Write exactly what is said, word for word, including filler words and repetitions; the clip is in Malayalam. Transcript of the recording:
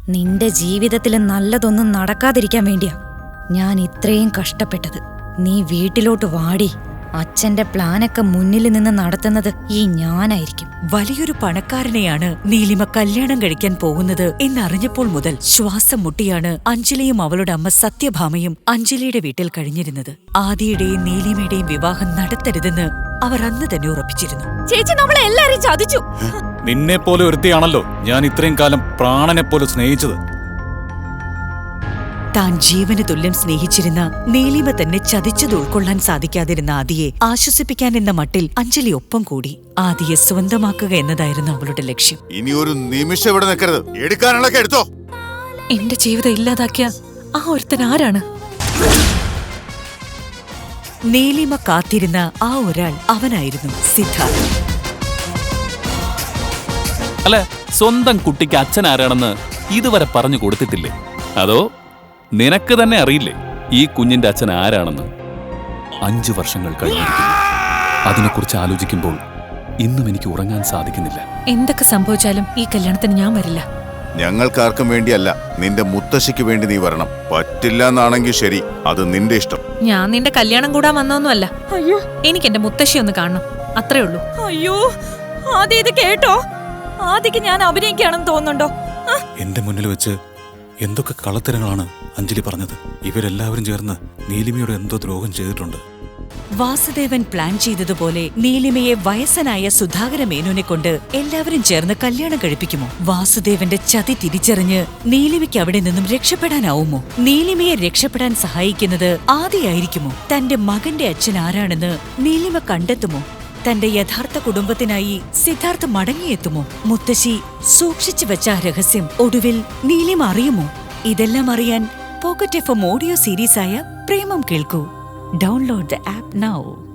നിന്റെ ജീവിതത്തിൽ നല്ലതൊന്നും നടക്കാതിരിക്കാൻ വേണ്ടിയാ ഞാൻ ഇത്രയും കഷ്ടപ്പെട്ടത്. നീ വീട്ടിലോട്ട് വാടി. അച്ഛന്റെ പ്ലാനൊക്കെ മുന്നിൽ നിന്ന് നടത്തുന്നത് ഈ ഞാനായിരിക്കും. വലിയൊരു പണക്കാരനെയാണ് നീലിമ കല്യാണം കഴിക്കാൻ പോകുന്നത് എന്നറിഞ്ഞപ്പോൾ മുതൽ ശ്വാസം മുട്ടിയാണ് അഞ്ജലിയും അവളുടെ അമ്മ സത്യഭാമയും അഞ്ജലിയുടെ വീട്ടിൽ കഴിഞ്ഞിരുന്നത്. ആദിയുടെയും നീലിമയുടെയും വിവാഹം നടത്തരുതെന്ന് അവർ അന്ന് തന്നെ ഉറപ്പിച്ചിരുന്നു. ചേച്ചി നമ്മളെ എല്ലാരെയും ചതിച്ചു. നിന്നെ പോലെ ഒരുത്തിയാണല്ലോ ഞാൻ ഇത്രയും കാലം പ്രാണനെ പോലെ സ്നേഹിച്ചത്. താൻ ജീവന് തുല്യം സ്നേഹിച്ചിരുന്ന നീലിമ തന്നെ ചതിച്ചത് ഉൾക്കൊള്ളാൻ സാധിക്കാതിരുന്ന ആദിയെ ആശ്വസിപ്പിക്കാൻ എന്ന മട്ടിൽ അഞ്ജലി ഒപ്പം കൂടി. ആദിയെ സ്വന്തമാക്കുക എന്നതായിരുന്നു അവളുടെ ലക്ഷ്യം. ഇനി ഒരു നിമിഷം ഇവിടെ നിൽക്കരുത്. എടുക്കാനുള്ളൊക്കെ എടുത്തോ. എന്റെ ജീവിതം ഇല്ലാതാക്കിയ ആ ഒരുത്തൻ ആരാണ്? നീലിമ കാത്തിരുന്ന ആ ഒരാൾ അവനായിരുന്നു സിദ്ധാർത്ഥ്. അല്ല, സ്വന്തം കുട്ടിക്ക് അച്ഛൻ ആരാണെന്ന് ഇതുവരെ പറഞ്ഞു കൊടുത്തിട്ടില്ലേ? അതോ നിനക്ക് തന്നെ അറിയില്ലേ ഈ കുഞ്ഞിന്റെ അച്ഛൻ ആരാണെന്ന്? അഞ്ചു വർഷങ്ങൾ കഴിഞ്ഞിരിക്കുന്നു. അതിനെക്കുറിച്ച് ആലോചിക്കുമ്പോൾ ഇന്നും എനിക്ക് ഉറങ്ങാൻ സാധിക്കുന്നില്ല. എന്തൊക്കെ സംഭവിച്ചാലും ഈ കല്യാണത്തിന് ഞാൻ വരില്ല. ഞങ്ങൾക്കാർക്കും വേണ്ടിയല്ല, നിന്റെ മുത്തശ്ശിക്ക് വേണ്ടി നീ വരണം. പറ്റില്ല എന്നാണെങ്കിൽ ശരി, അത് നിന്റെ ഇഷ്ടം. ഞാൻ നിന്റെ കല്യാണം കൂടാൻ വന്നൊന്നുമല്ല. അയ്യോ, എനിക്ക് എന്റെ മുത്തശ്ശി ഒന്ന് കാണണം, അത്രേ ഉള്ളൂ. അയ്യോ, ആദ്യം ഇത് കേട്ടോ? ആദ്യക്ക് ഞാൻ അഭിനയിക്കുകയാണെന്ന് തോന്നുന്നുണ്ടോ? എന്റെ മുന്നിൽ വെച്ച് എന്തൊക്കെ കളത്തരങ്ങളാണ് അഞ്ജലി പറഞ്ഞത്. ഇവരെല്ലാവരും ചേർന്ന് നീലിമയോട് എന്തോ ദ്രോഹം ചെയ്തിട്ടുണ്ട്. വാസുദേവൻ പ്ലാൻ ചെയ്തതുപോലെ നീലിമയെ വയസ്സനായ സുധാകര മേനോനെ കൊണ്ട് എല്ലാവരും ചേർന്ന് കല്യാണം കഴിപ്പിക്കുമോ? വാസുദേവന്റെ ചതി തിരിച്ചറിഞ്ഞ് നീലിമയ്ക്ക് അവിടെ നിന്നും രക്ഷപ്പെടാനാവുമോ? നീലിമയെ രക്ഷപ്പെടാൻ സഹായിക്കുന്നത് ആദിയായിരിക്കുമോ? തന്റെ മകന്റെ അച്ഛൻ ആരാണെന്ന് നീലിമ കണ്ടെത്തുമോ? തന്റെ യഥാർത്ഥ കുടുംബത്തിനായി സിദ്ധാർത്ഥ് മടങ്ങിയെത്തുമോ? മുത്തശ്ശി സൂക്ഷിച്ചു വെച്ച ആ രഹസ്യം ഒടുവിൽ നീലിമ അറിയുമോ? ഇതെല്ലാം അറിയാൻ പോക്കറ്റ് എഫ് എം ഓഡിയോ സീരീസായ പ്രേമം കേൾക്കൂ. Download the app now.